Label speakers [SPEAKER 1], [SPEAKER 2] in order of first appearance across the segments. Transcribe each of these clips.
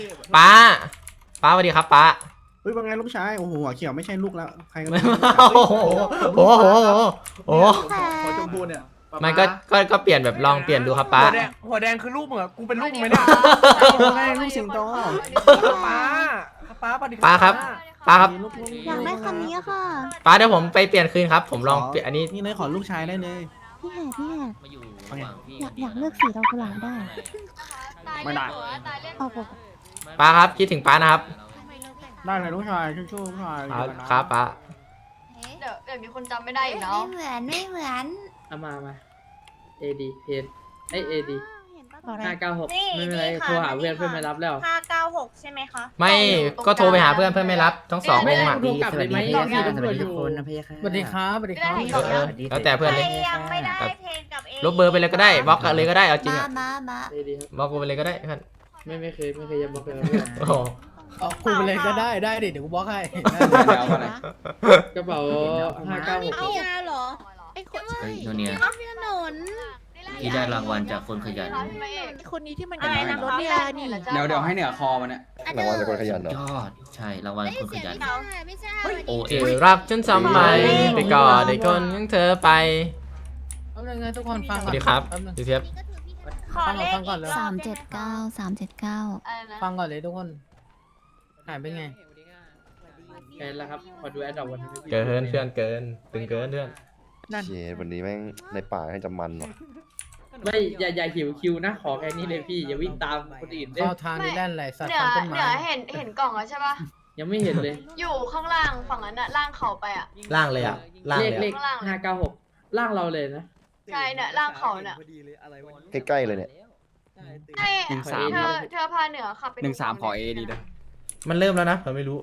[SPEAKER 1] ป้าป้าสวัสดีครับป้า
[SPEAKER 2] เฮ้ยว่าไงลูกชายโอ้โหหัวเขียวไม่ใช่ลูกแล้วใครกัน
[SPEAKER 1] โอ้โหโอ้โหโอ้โห
[SPEAKER 3] หัวชมพูเนี่ย
[SPEAKER 1] มันก็เปลี่ยนแบบลองเปลี่ยนดูครับป้า
[SPEAKER 3] หัวแดงคือลูกมึงเหรอกูเป็นลูกมึงไหมเนี่ย
[SPEAKER 2] ไงลูกสิงโต
[SPEAKER 3] ป้าปฏิ
[SPEAKER 1] ป้าครับป้าครับ
[SPEAKER 2] ลูก
[SPEAKER 4] อยากได้คันนี้ค่ะ
[SPEAKER 1] ป้าเดี๋ยวผมไปเปลี่ยนคืนครับผมลองเปลี่ยนอันนี้
[SPEAKER 2] นี่เลยขอลูกชายได้เลย
[SPEAKER 4] พี่แหกพี่แหก
[SPEAKER 5] มาอยู่ระหว่างพี่
[SPEAKER 4] อยากเลือกสีดอกกุหลาบได้
[SPEAKER 2] ไม่ได้
[SPEAKER 4] เอาปก
[SPEAKER 1] ป้าครับคิดถึงป้านะครับ
[SPEAKER 2] ได้เลยลูกชายชู้ๆลูกชาย
[SPEAKER 1] ครับป้า
[SPEAKER 6] เดี๋ยวมีคนจำไม่ได้อีกเนาะ
[SPEAKER 4] ไม่เหมือนไม่เหมือน
[SPEAKER 7] เอามาAD เพนAD
[SPEAKER 4] บอกได้
[SPEAKER 7] 596ไม่เป็นไรโทรหาเพื่อนไม่รับแล้ว
[SPEAKER 6] 596 ใช่ไหมคะ
[SPEAKER 1] ไม่ก็โทรไปหาเพื่อนไม่รับทั้งสององค์อ่ะ
[SPEAKER 7] โทรกลับเลยไหม
[SPEAKER 5] สวัสดีทุกคนนะพี่ค่ะ
[SPEAKER 7] สวัสดีครับสวัสดีครับ
[SPEAKER 1] แล้วแต่เพื่อนเลย
[SPEAKER 6] ยังไม่ได้เพลงกับเอ
[SPEAKER 1] ลบเบอร์ไปเลยก็ได้บล็อกกันเลยก็ได้เอาจริงอ่ะ
[SPEAKER 4] มา
[SPEAKER 7] AD ครับ
[SPEAKER 1] บล็อกไปเลยก็ได้เพื่อน
[SPEAKER 7] ไม่เคยจะบอกเลยเพื่อน
[SPEAKER 1] โอ้โห
[SPEAKER 3] เอาคุยไปเลยก็ได้ดิเดี๋ยวกูบล็อกให้
[SPEAKER 7] กระเป๋า596
[SPEAKER 4] เอายาเหรอไอ้คน
[SPEAKER 5] เฮ้ยโนเนีย
[SPEAKER 4] พี่ถนน
[SPEAKER 5] ที่ได้รางวัลจากคนขยัน
[SPEAKER 4] คนนี้ที่มัน
[SPEAKER 6] อะไรนะ
[SPEAKER 4] รถเรียนี่
[SPEAKER 8] เดี๋ยวให้เหนือคอมันเนี่ย
[SPEAKER 9] รางวัลจากคนขยันเหร
[SPEAKER 5] ย
[SPEAKER 9] อ
[SPEAKER 5] อดใช่รางวัลคนขยัน
[SPEAKER 4] ไม่ใช่
[SPEAKER 5] โอเอ
[SPEAKER 1] เอรักฉันทำไมไปกอดไอ้คนของเธอไป
[SPEAKER 7] เอาเลยไงทุกคนฟัง
[SPEAKER 1] สวัสดีครับดูเทียบ
[SPEAKER 6] ขอเลข
[SPEAKER 7] ฟังก่อนเลย
[SPEAKER 4] 379
[SPEAKER 6] อะไรนะ
[SPEAKER 7] ฟังก่อนเลยทุกคนหายไปไงแค่แล้วครับขอดูแอดดอกวันนี้
[SPEAKER 1] เกินเพื่อนเกินตึงเกินเพื่อน
[SPEAKER 9] เชวันนี้แม่งในป่าให้จะมันว่ะ
[SPEAKER 7] ไม่อย่าหิวคิวนะขอแค่นี้เลยพี่อย่าวิ่งตามคนอื่นเด้
[SPEAKER 3] เข้าทางนี้แล่นไหลสัตว์
[SPEAKER 6] เหนือ
[SPEAKER 3] ฟันต้น
[SPEAKER 6] เหนื
[SPEAKER 3] ไม้
[SPEAKER 6] อเห็นกล่องแล้วใช่ปะ
[SPEAKER 7] ยังไม่เห็นเลย
[SPEAKER 6] อยู่ข้างล่างฝั่งนั้นอะล่างเขาไปอะ
[SPEAKER 1] ล่างเลยอ่ะล่าง
[SPEAKER 7] เล
[SPEAKER 1] เล
[SPEAKER 7] ข
[SPEAKER 1] ยอะ
[SPEAKER 7] 596ล่างเราเลยนะ
[SPEAKER 6] ใช่เนี่ยล่างเขาเนี่ย
[SPEAKER 9] ใกล้ๆเลยเนี่ย
[SPEAKER 6] ใช่
[SPEAKER 7] 13
[SPEAKER 6] เธอพาเหนือขับไป
[SPEAKER 8] 13ขอ AD ด้วย
[SPEAKER 1] มันเริ่มแล้วนะผมไม่รู้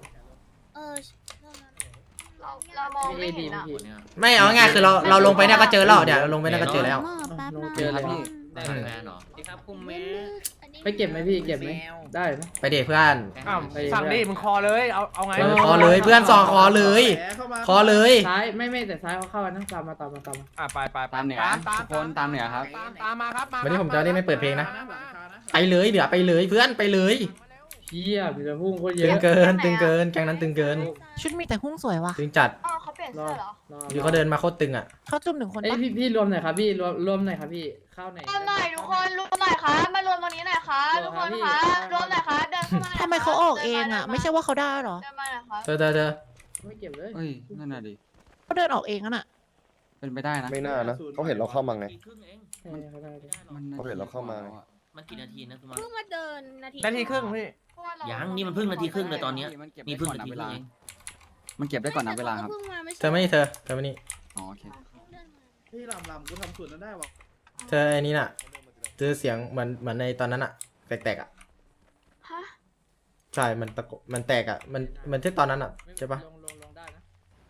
[SPEAKER 6] เรามองไม่เห็นอะ
[SPEAKER 1] ไม่เอาง่ายคือเราลงไปเนี่ยก็เจอแล้วเดี๋ยวเราลงไปเนี่ยก็เจอแล้ว
[SPEAKER 4] แป๊บนะ
[SPEAKER 7] เจอแล้วพี่
[SPEAKER 5] ได้แฟนเหรอ
[SPEAKER 7] ไปเก็บไหมพี่เก็บไหมได้ไหม
[SPEAKER 1] ไปเดทเพื่อน
[SPEAKER 3] อ้าวสั่งดิมึงคอเลยเอาไง
[SPEAKER 1] คอเลยเพื่อนสองคอเลยคอเลย
[SPEAKER 7] ซ้ายไม่แต่ซ้ายเขาเข้านะตามมา
[SPEAKER 3] ไป
[SPEAKER 8] ตามเหนือทุกคนตามเหนือครับ
[SPEAKER 3] ตามมาครับ
[SPEAKER 1] วันนี้ผมจะได้ไม่เปิดเพลงนะไปเลยเดี๋ยวไปเลยเพื่อนไปเลย
[SPEAKER 7] เชี่ยมีแต่พุ่งโคตรเย
[SPEAKER 1] ตึง
[SPEAKER 7] อะ
[SPEAKER 1] เกินตึงเกินแกงนั้นตึงเกิน
[SPEAKER 4] ชุดมีแต่หุ้งสวยว่ะ
[SPEAKER 1] ตึงจัด
[SPEAKER 6] อ๋อเขาเปลี่ยนเสื้อเหรอ
[SPEAKER 1] อยู่เขาเดินมาโคตรตึงอ่ะ
[SPEAKER 4] เขาจุ่มหนึ่งคน
[SPEAKER 7] เอ้ย
[SPEAKER 4] ปะ
[SPEAKER 7] พี่รวมหน่อยครับพี่รวมหน่อยครับพี่เข้าไหน
[SPEAKER 6] รวมหน่อยทุกคนรวมหน่อยค่ะมารวมตรงนี้หน่อยค่ะทุกคนค่ะรวมหน่อยค่ะเดินเข้ามาหน่อยค่ะ
[SPEAKER 4] ทำไมเขาออกเองอ่ะ ไม่ใช่ว่าเขาได้หรอ
[SPEAKER 6] เดินมาหน่อยค่ะ
[SPEAKER 1] เธอ
[SPEAKER 7] ไม่เก็บเลย
[SPEAKER 8] เฮ้ย นั่นน่ะดิ
[SPEAKER 4] เขาเดินออกเองน่ะ
[SPEAKER 8] เป็นไปได้นะ
[SPEAKER 9] ไม่น่านะเขาเห็นเราเข้ามาไง
[SPEAKER 5] ครึ่งเอง
[SPEAKER 7] เขาได้
[SPEAKER 8] มัน
[SPEAKER 9] เขาเห็นเราเข้ามา
[SPEAKER 5] มันกี่นาทีนะคุณมา
[SPEAKER 4] เพิ่งมาเดินนาที
[SPEAKER 3] นาทีครึ่งพี่
[SPEAKER 5] ยังนี่มันเพิ่งนาทีครึ่งเลยตอนเนี้ย
[SPEAKER 8] มันเก็บ
[SPEAKER 5] มี
[SPEAKER 8] ได้
[SPEAKER 5] เพิ่ง
[SPEAKER 8] ก่อน
[SPEAKER 5] นา
[SPEAKER 8] นับ
[SPEAKER 5] ที
[SPEAKER 8] เว
[SPEAKER 5] ครึ่
[SPEAKER 8] ลาง
[SPEAKER 5] เอง
[SPEAKER 8] มันเก็บได้ก่อนนับเวลาครับ
[SPEAKER 1] เธอไม่นี่เธอไม่นี่
[SPEAKER 8] อ๋อโอเค
[SPEAKER 2] พี่ลำกูทำส่วนนั้นได้วะ
[SPEAKER 1] เธอไอ้นี่น่ะเธอเสียงเหมือนในตอนนั้นอ่ะแตกๆอ่ะ
[SPEAKER 6] ฮะ
[SPEAKER 1] ใช่มันตะโกมันแตกอ่ะมันที่ตอนนั้นอ่ะใช่ปะ
[SPEAKER 7] ลงได้นะ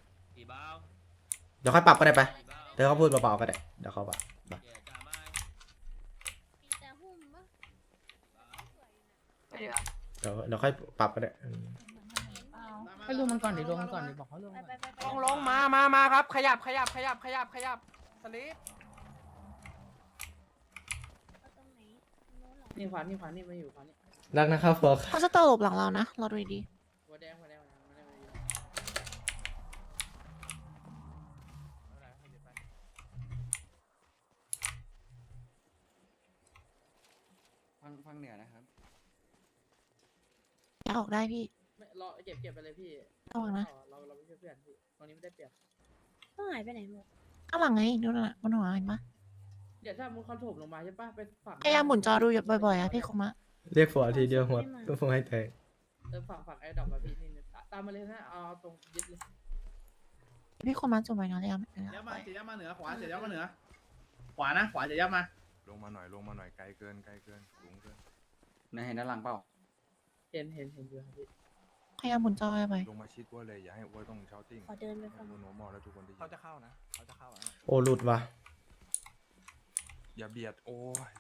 [SPEAKER 1] เดี๋ยวค่อยปรับก็ได้ไปเธอเขาพูดเบาๆก็ได้เดี๋ยวเขาปรับ
[SPEAKER 6] ไปดีกว่า
[SPEAKER 1] เดี๋ยวค่อยปรับก็ได้
[SPEAKER 7] ให้รวมมันก่อนดิรวมมันก่อนดิบอกเขารวม
[SPEAKER 3] ลงมาครับขยับสลิป
[SPEAKER 7] นี่ขวานี่มาอยู่ขวานี่
[SPEAKER 1] รักนะครับฟอก
[SPEAKER 4] เขาจะตลบหลังเรานะเราดูดี
[SPEAKER 7] หัวแดง
[SPEAKER 8] ฟังเหนือนะครับ
[SPEAKER 4] อยากออกได้พี่
[SPEAKER 7] ไม่รอเก็บไปเลยพี่
[SPEAKER 4] ระวังนะ
[SPEAKER 7] เราไม่ใช่เพื่อนพี่ตรงนี้ไม่ได้เปรียบ
[SPEAKER 4] ต้องหายไปไหนหมดข้างหลังไงดูน่ะบนหัวเห็นปะ
[SPEAKER 7] เดี๋ยวถ้ามึงคอนโทรลลงมาใช่ปะไปฝั่ง
[SPEAKER 4] พยายามหมุนจอดูบ่อยๆอะพี่คมะ
[SPEAKER 1] เรียกฟอทีเดียวหมดต้องฟงให้แตก
[SPEAKER 7] ฝั่งไอ้ดอกมาพี่นี่ตามมาเลยนะเอาตรงยึดเลย
[SPEAKER 4] พี่คมะจุ่มไปนะเลยอ่ะ
[SPEAKER 2] ยับมาจะยับมาเหนือขวาจะยับมาเหนือขวานะขวาจะยับมา
[SPEAKER 9] ลงมาหน่อยไกลเกินสูงเกิน
[SPEAKER 8] นายเห็นด้านหลังเปล่า
[SPEAKER 7] เห็นอยู่ครับพี่
[SPEAKER 4] พยายามหมุนจอบ่อย
[SPEAKER 9] ลงมาชิดว่าเลยอย่าให้อ้วยต้องเช้าติ้ง
[SPEAKER 4] ขอเดินไปฟัง
[SPEAKER 9] โนมอแล้วทุกคนได้ยิ
[SPEAKER 3] เขา
[SPEAKER 9] น
[SPEAKER 3] จะเข้านะเขาจะเข้า
[SPEAKER 1] โอ้หลุดว่ะ
[SPEAKER 9] อย่าเบียดโอ้ย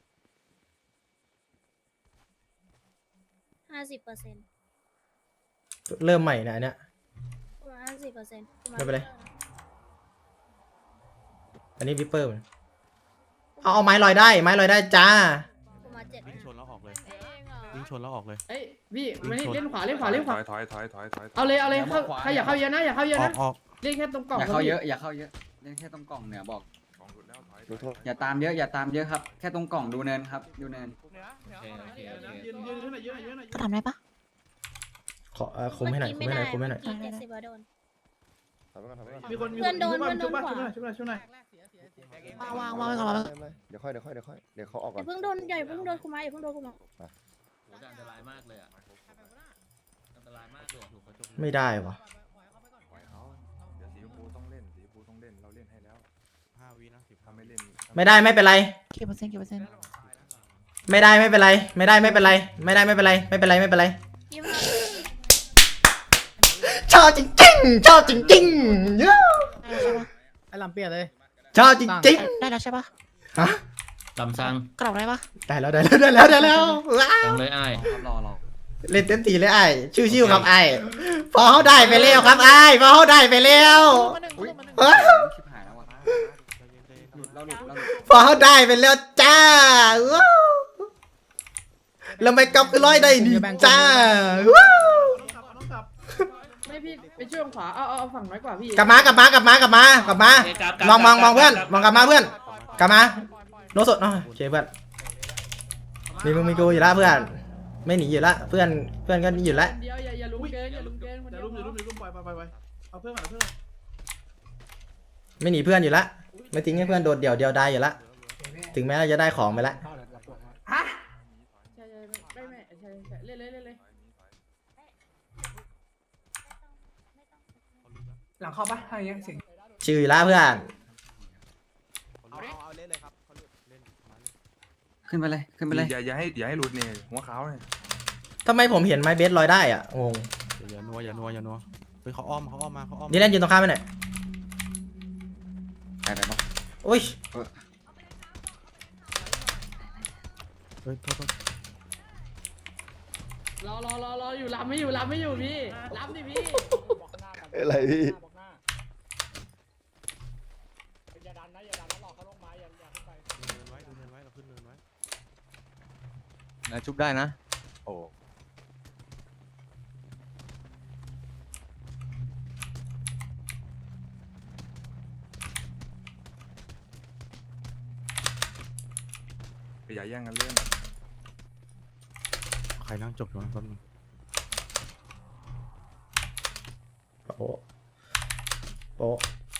[SPEAKER 4] 50%
[SPEAKER 1] เริ่มใหม่นะอันเนี้ย
[SPEAKER 4] ประมาณ50%
[SPEAKER 1] ไม่เป็นไร อันนี้วิปเปอร์เอาไม้ลอยได้จ้า
[SPEAKER 4] ประมาณ7
[SPEAKER 9] ชนแล้วออกเลย
[SPEAKER 10] วิ่งชนแล้วออกเลย
[SPEAKER 7] เอ้ยพี่มานี่เล่นขวาเล่นขวาเล่นขวา
[SPEAKER 9] ถอย
[SPEAKER 7] เอาเลยเข้าใครอย่าเข้าเยอะนะอย่าเข้าเยอะ
[SPEAKER 10] ออ
[SPEAKER 7] นะ
[SPEAKER 10] กออก
[SPEAKER 7] เล่นแค่ตรงกล่อง
[SPEAKER 8] อย่าเข้าเยอะอย่าเข้าเยอะเล่นแค่ตรงกล่องเหนือบอก
[SPEAKER 9] ของหลุดแล้วถอย
[SPEAKER 8] อย่าตามเยอะอย่าตามเยอะครับแค่ตรงกล่องดูเนินครับดูเนิน
[SPEAKER 3] เหนือ
[SPEAKER 5] โอเคโอเคโอเค
[SPEAKER 2] ยืนขึ้นหน่อยยืนหน่อยยืนหน่อย
[SPEAKER 4] ก็ทำได้ปะ
[SPEAKER 1] ขอคุมให้หน่อยคุมให้หน่อยคุมให้หน่อย
[SPEAKER 4] ได้ได้
[SPEAKER 2] มีคน
[SPEAKER 6] เพื่อนโดน
[SPEAKER 2] ชุบป่ะ
[SPEAKER 6] เพื่อนโดน
[SPEAKER 2] ชุบป่ะชุบป่ะ
[SPEAKER 4] วางไว้ก่อน
[SPEAKER 11] เดี๋ยวค่อยเดี๋ยวเขาออกก่อน
[SPEAKER 6] เพิ่งโดนใหญ่เพิ่งโดนคุมาอย่าเพิ่งโดนคุมา
[SPEAKER 5] โหอันตรายมากเลยอ่ะอันตรายมากเลยอะถูกเขาจง
[SPEAKER 1] ไม่ได้วะ
[SPEAKER 9] ปล่อยเขาเดี๋ยวสีชมพูต้องเล่นสีชมพูต้องเล่นเราเล่นให้แล้ว
[SPEAKER 10] 5 วินะ10
[SPEAKER 9] ถ้าไม่เล่น
[SPEAKER 1] ไม่ได้ไม่เป็นไร
[SPEAKER 4] กี่เปอร์เซ็นต์
[SPEAKER 1] ไม่ได้ไม่เป็นไรไม่ได้ไม่เป็นไรไม่ได้ไม่เป็นไรไม่เป็นไรไม่เป็นไร
[SPEAKER 6] ยิ้ม
[SPEAKER 1] ชอบจริงๆชอบจริงๆยู
[SPEAKER 7] ไอ้ลำเปียเลย
[SPEAKER 1] ชอบจริง
[SPEAKER 4] ได้แล้วใช่ปะ
[SPEAKER 1] ๆฮะ
[SPEAKER 5] ลำซัง
[SPEAKER 4] กรอบได้ปะ
[SPEAKER 1] ได้แล้วได้แล้วได้แล้วได้แล้วว้า
[SPEAKER 5] ซั
[SPEAKER 1] ว
[SPEAKER 5] งเลยอ้าย
[SPEAKER 8] รอ
[SPEAKER 1] เล่นเต็มที่เลยไอ้ชิวๆครับไอ้พอเขาได้ไปแล้วครับไอ้พอเขาได้ไปแล้ว
[SPEAKER 4] มาหนึ่งมาหนึ่ง
[SPEAKER 1] ว้าว
[SPEAKER 8] ชิบหายแล้วว่ะ
[SPEAKER 10] ใจเย็น
[SPEAKER 8] หลุดเราหลุดเราหลุด
[SPEAKER 1] พอเขาได้ไปแล้วจ้าว้าวแล้วไม่กลับคือร้อยได้ดีจ้าว้าว
[SPEAKER 2] ต้องกลับ
[SPEAKER 7] ไม่พี่ไปช่วยขวาเอาฝั่งน้อยกว่าพี่
[SPEAKER 1] กลับมามองเพื่อนมองกลับมาเพื่อนกลับมาโนสดโอเคเพื่อนมีมึงมีกูอยู่ละเพื่อนไม่หนีอยู่ละเพื่อนก็หนีอยู่ละ
[SPEAKER 7] เดียวอย่าลุ้มเกินอย่าลุ้มเกิน
[SPEAKER 2] อย่าลุมปล่อยเอาเพื่อนก่อนเอาเพื่อน
[SPEAKER 1] ไม่หนีเพื่อนอยู่ละไม่ทิ้งให้เพื่อนโดดเดี่ยวได้อยู่ละถึงแม้เราจะได้ของไปละ
[SPEAKER 7] ฮะใช่ไม่ใช่เล่นเลย
[SPEAKER 3] หลังเข้าปะถ้าอย่างเงี้ยเสียง
[SPEAKER 1] ชิวอยู่ละเพื่อน
[SPEAKER 10] เอาเล่นเลยครับเขาเล่นมาเลย
[SPEAKER 8] ขึ้นไปเลยขึ้นไปเลย
[SPEAKER 9] อย่าให้หลุดเนี่ยหัวขาวเนี่ย
[SPEAKER 1] ทำไมผมเห็นไม้เบสลอยได้อ่ะงง
[SPEAKER 10] อย่านัวเฮ้ยเขาอ้อมมาเขาอ้อม
[SPEAKER 1] นี่เล่นยืนตรงข้ามไปหน่อย
[SPEAKER 8] ไปปะ
[SPEAKER 1] อุ้ย
[SPEAKER 10] เฮ้ยโทษ
[SPEAKER 7] รออยู่รับไม่อยู่พี่รับดิพี่
[SPEAKER 11] อะไรพี่
[SPEAKER 10] ดูเนินไว้เราขึ้นเนินไว้
[SPEAKER 9] ชุบได้นะโอ้ อย่าแย่งกันเล่น
[SPEAKER 10] ใครนั่งจบอยู่นะแป๊บนึง
[SPEAKER 1] โป๊ะโป๊ะ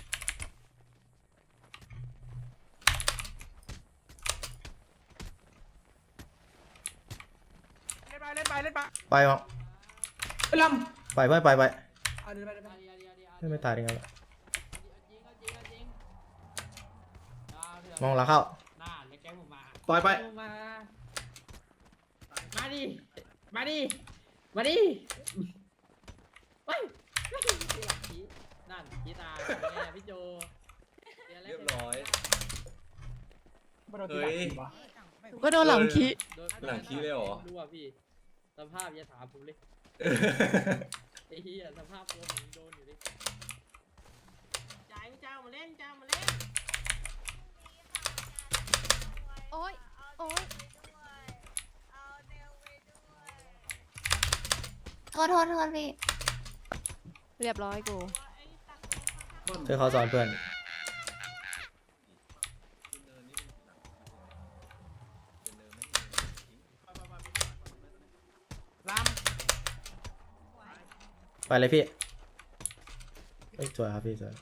[SPEAKER 3] เล่นไป
[SPEAKER 1] ไปมอง
[SPEAKER 3] ล
[SPEAKER 1] ไปเพื่อนไป
[SPEAKER 3] ำไป
[SPEAKER 1] ไม่ตายได้ไงวะมองหลังเข้า
[SPEAKER 2] ปล่อยไป
[SPEAKER 7] มาดิไปนั่นพี่ตาพี่โจ
[SPEAKER 3] เรียบร้อยเฮ้ย
[SPEAKER 4] ก็โดนหลังคี
[SPEAKER 3] หลังขี้เลยเหรอ
[SPEAKER 7] รู้อ่ะพี่สภาพอย่าถามผมเลยไอ้เหี้ยสภาพตัวผมโดนอยู่ดิจ้ามาเล่น
[SPEAKER 6] โอ๊ยโอ๊ย โทษพี่ เรียบร้อยกู
[SPEAKER 1] เธอเขาสอนเพื่อน
[SPEAKER 3] ล
[SPEAKER 1] ไปเลยพี่เอ้ยสวยครับพี่สวย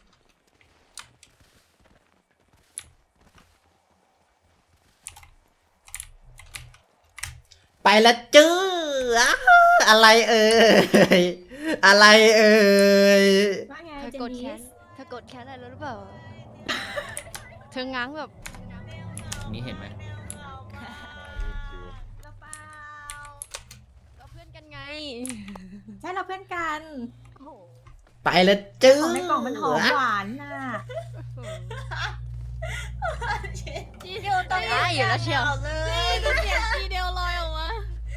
[SPEAKER 1] ไปละจื้ออ้าอะไรเอ่ยอะไรเอ่ย
[SPEAKER 6] ว่าไงเธอกดแคสอะไรรู้หรือเปล่า เธอง้างแบบ
[SPEAKER 5] นี่เห็นไหม
[SPEAKER 6] ก็เพื่อนกันไง
[SPEAKER 4] ใช่เราเพื่อนกัน
[SPEAKER 6] โอ้โห
[SPEAKER 1] ไปละจื้อ
[SPEAKER 4] ของในกล่องมันหอมหวานน่ะ
[SPEAKER 6] ทีเดียวต้องได้อยู่แล้วเชียวก็เสียงทีเดียวลอยออกมา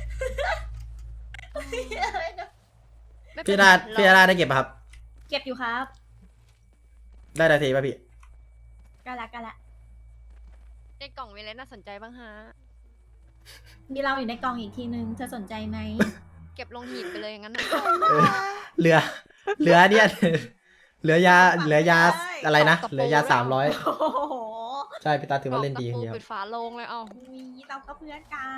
[SPEAKER 1] พี่ดาได้เก็บป่ะครับ
[SPEAKER 4] เก็บอยู่ครับ
[SPEAKER 1] ได้นาทีป่ะพี่
[SPEAKER 4] กันละ
[SPEAKER 6] ในกล่องมีอะไรน่าสนใจบ้างฮะมีเราอยู่ในกล่องอีกทีนึงเธอสนใจไหม
[SPEAKER 4] เก็บลงหีบไปเลยงั้น
[SPEAKER 1] เหลือเนี่ยเหลือยาอะไรนะเหลือยา300
[SPEAKER 6] โอ้โห
[SPEAKER 1] ใช่พี่ตาถือว่าเล่นดีจริงๆครั
[SPEAKER 4] ปิ
[SPEAKER 1] บ
[SPEAKER 4] ดฝาโลงเลยเอ้า
[SPEAKER 6] เราก็เพื่อนกัน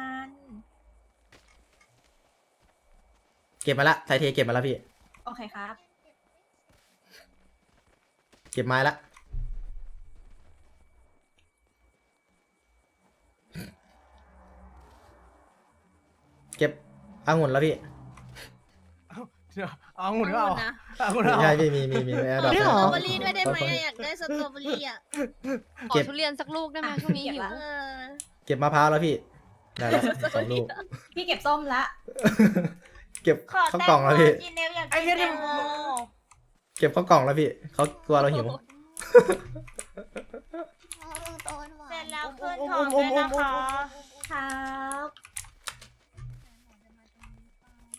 [SPEAKER 1] เก็บมาละไทเทเก็บมาแล้วพี่
[SPEAKER 6] โอเคครับ
[SPEAKER 1] เก็บไม้ละเก็บองุ่นแล้วพี่
[SPEAKER 3] เอาหมุนก็เอา
[SPEAKER 6] นะ
[SPEAKER 3] เอาหมุน
[SPEAKER 1] ไม่
[SPEAKER 3] เอา
[SPEAKER 1] ใช่พี่มีแอร์ดรอป
[SPEAKER 6] สตรอเบอรี่ด้วยได้ไหมอยากได้สตรอเบอรี่อ่ะ
[SPEAKER 4] ขอทุเรียนสักลูกได้ไหมช่วงนี้หิว
[SPEAKER 1] เก็บมะพร้าวแล้วพี่ได้แล้ว2 ลูก
[SPEAKER 6] พี่เก็บส้มละ
[SPEAKER 1] เก็บข้าวกล่องแล้วพี่
[SPEAKER 6] กินเนวอยาก
[SPEAKER 3] ไอ้
[SPEAKER 6] กิน
[SPEAKER 3] เหี้ย
[SPEAKER 6] แต
[SPEAKER 3] นี่
[SPEAKER 6] งโม
[SPEAKER 1] เก็บข้าวกล่องแล้วพี่เขากลัวเราหิว
[SPEAKER 6] เสร็จแล้วเพื่อนของด้วยนะคะครับ